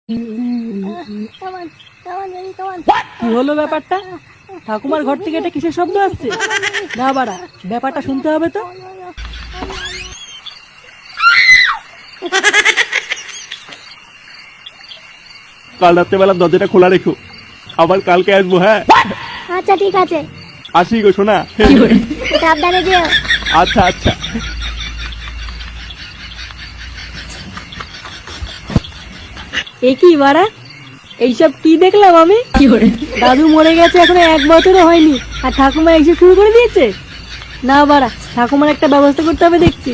কি হলো ব্যাপারটা? ঠাকুমার ঘর থেকে এটা কিসের শব্দ আসছে? না বাড়া, ব্যাপারটা শুনতে হবে তো। কাল রাত্রেবেলা দরজাটা খোলা রেখো, আবার কালকে আসবো। হ্যাঁ আচ্ছা ঠিক আছে, আসি গো শোনা। সাবধানে যেও। আচ্ছা আচ্ছা। এ কি বাড়া, এইসব কি দেখলাম আমি? দাদু মরে গেছে এখনো 1 বছরও হয়নি, আর ঠাকুমা এসে শুরু করে দিয়েছে। না বাড়া, ঠাকুমার একটা ব্যবস্থা করতে হবে দেখছি।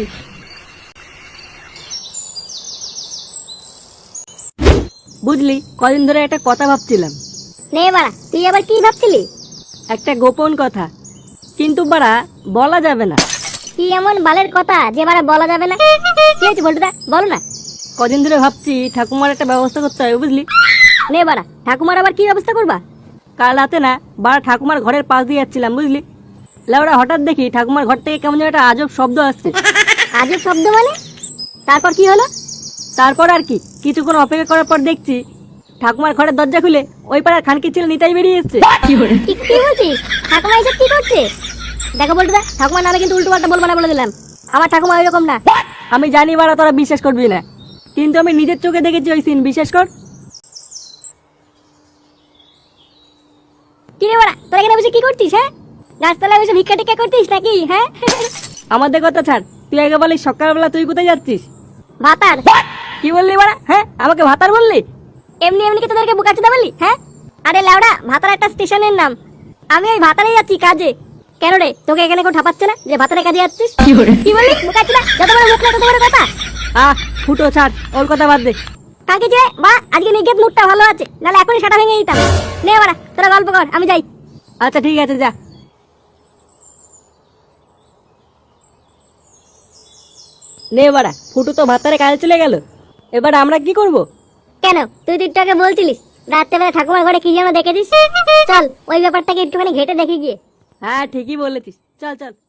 বুঝলি, কদিন ধরে একটা কথা ভাবছিলাম। নে বাড়া, তুই আবার কি ভাবছিলি? একটা গোপন কথা, কিন্তু বাড়া বলা যাবে না। কি এমন বালের কথা যে বাড়া বলা যাবে না? কি হয়েছে বলটুদা, বলো না। কদিন ধরে ভাবছি ঠাকুমার একটা ব্যবস্থা করতে হবে, বুঝলি। নে বাড়া, ঠাকুমার আবার কি ব্যবস্থা করবা? কাল রাতে না বাড়া ঠাকুমার ঘরের পাশ দিয়ে যাচ্ছিলাম, বুঝলি। লেওড়া হঠাৎ দেখি ঠাকুমার ঘর থেকে কেমন যেন একটা আজব শব্দ আসছে। আজব শব্দ মানে? তারপর কি হলো? তারপর আর কি, কিছুক্ষণ অপেক্ষা করার পর দেখছি ঠাকুমার ঘরের দরজা খুলে ওই পাড়ার খানকি ছেলে নিতাই বেরিয়ে এসছে। কি বলছিস? ঠাকুমা এসব কি করছে? দেখো বলটুদা, ঠাকুমার নামে কিন্তু উল্টো পাল্টা বলবো না বলে দিলাম। আমার ঠাকুমা ওইরকম না। আমি জানি বাড়া তোরা বিশ্বাস করবি না, কিন্তু আমি নিজের চোখে দেখেছি ওই সিন, বিশ্বাস কর। কি রে বাড়া, তোরা এখানে বসে কি করছিস? হ্যাঁ, গাছতলায় বসে ভিক্ষা টিক্ষা করছিস নাকি? হ্যাঁ, আমাদের কথা ছাড়, তুই আগে বলিস সকালবেলা তুই কোথায় যাচ্ছিস? ভাতার। কি বললি বাড়া? হ্যাঁ, আমাকে ভাতার বললি? এমনি এমনি কি তোদেরকে বুকাচোদা বললি? হ্যাঁ, আরে লেওড়া, ভাতার একটা স্টেশনের নাম। আমি ওই ভাতারেই যাচ্ছি কাজে। কেন রে, তোকে এখানে কেউ ঠাপাচ্ছে না যে ভাতারে কাজে যাচ্ছিস? কি বললি বুকাচোদা? যত বড় মুখ না তত বড় কথা। ফুটো ছাড়, ওর কথা বাদ দে। কাকে যে বা আজকে নিগেত মুডটা ভালো আছে, নাহলে এখনই সেটা ভেঙে দিতাম। নে বাড়া, তোরা গল্প কর, আমি যাই। আচ্ছা ঠিক আছে, যা। নে বাড়া, ফুটো তো ভাতারে কাজে চলে গেল, এবার আমরা কি করব? কেন, তুই তো একটু আগে বলছিলিস রাত্রেবেলা ঠাকুমার ঘরে কি যেন দেখেছিস। চল ওই ব্যাপারটাকে একটুখানি ঘেটে দেখে গিয়ে। হ্যাঁ ঠিকই বলেছিস, চল চল।